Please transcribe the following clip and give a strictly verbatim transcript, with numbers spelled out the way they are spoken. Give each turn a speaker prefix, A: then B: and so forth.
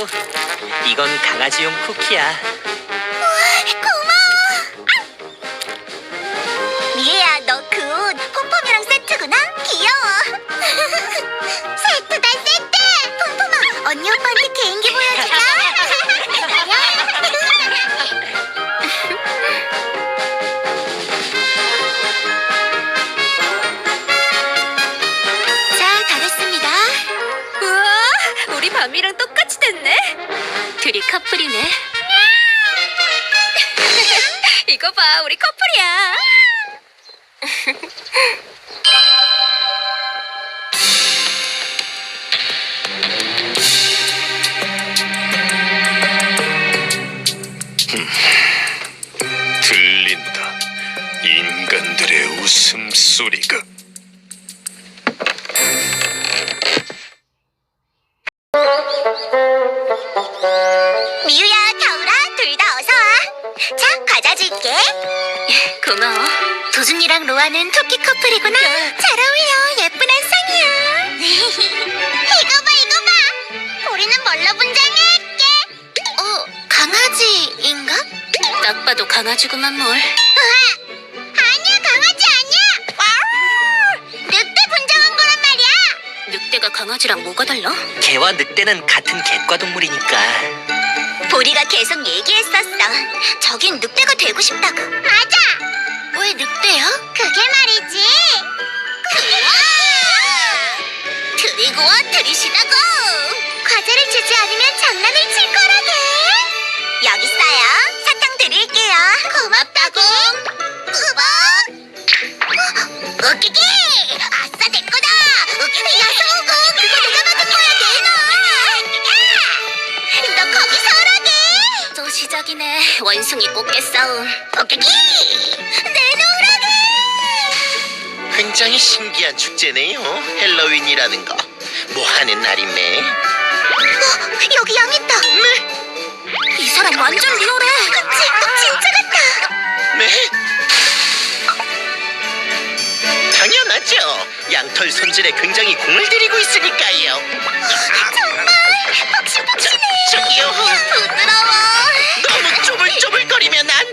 A: 이건 강아지용 쿠키야.
B: 고마워. 미애야, 너 그 옷 폼폼이랑 세트구나? 귀여워. 세트다, 세트. 폼폼아, 언니 오빠한테 개인기 보여주자. 자, 다 됐습니다.
C: 우와, 우리 밤이랑 똑같이 됐네. 둘이 커플이네. 이거 봐, 우리 커플이야.
D: 들린다. 인간들의 웃음소리가.
B: 미유야, 겨울아, 둘 다 어서 와. 자, 과자 줄게.
C: 고마워.
B: 도준이랑 로아는 토끼 커플이구나. 잘 어울려. 예쁜 한쌍이야. 이거 봐, 이거 봐. 우리는 뭘로 분장할게? 어, 강아지인가?
C: 딱 봐도 강아지구만 뭘.
B: 으아, 아니야, 강아지 아니야. 와우, 늑대 분장한 거란 말이야.
C: 늑대가 강아지랑 뭐가 달라?
A: 개와 늑대는 같은 객과 동물이니까.
B: 보리가 계속 얘기했었어. 저긴 늑대가 되고 싶다고. 맞아. 왜 늑대야? 그게 말이지. 드리고 와, 들이시다고. 과자를 주지 않으면 장난을 칠 거라게. 여기 있어요. 사탕 드릴게요. 고맙다고. 우박. 웃기기. 아싸, 내 거다. 웃기기. 야소고. 그거 누가 만든 거야, 내놔. 너 거기 서라게.
C: 또 시작이네. 원숭이 꽃게 싸움.
B: 웃기기. 내놓으라게.
E: 굉장히 신기한 축제네요. 헬로윈이라는 거. 뭐 하는 날이매?
B: 어, 여기 양 있다.
E: 네?
C: 이 사람 완전 리얼해.
B: 그치? 진짜 같다.
E: 네? 당연하죠. 양털 손질에 굉장히 공을 들이고 있으니까요.
B: 정말 폭신폭신해.
E: 저기요.
B: 부드러워.
E: 너무 쪼물쪼물거리면 안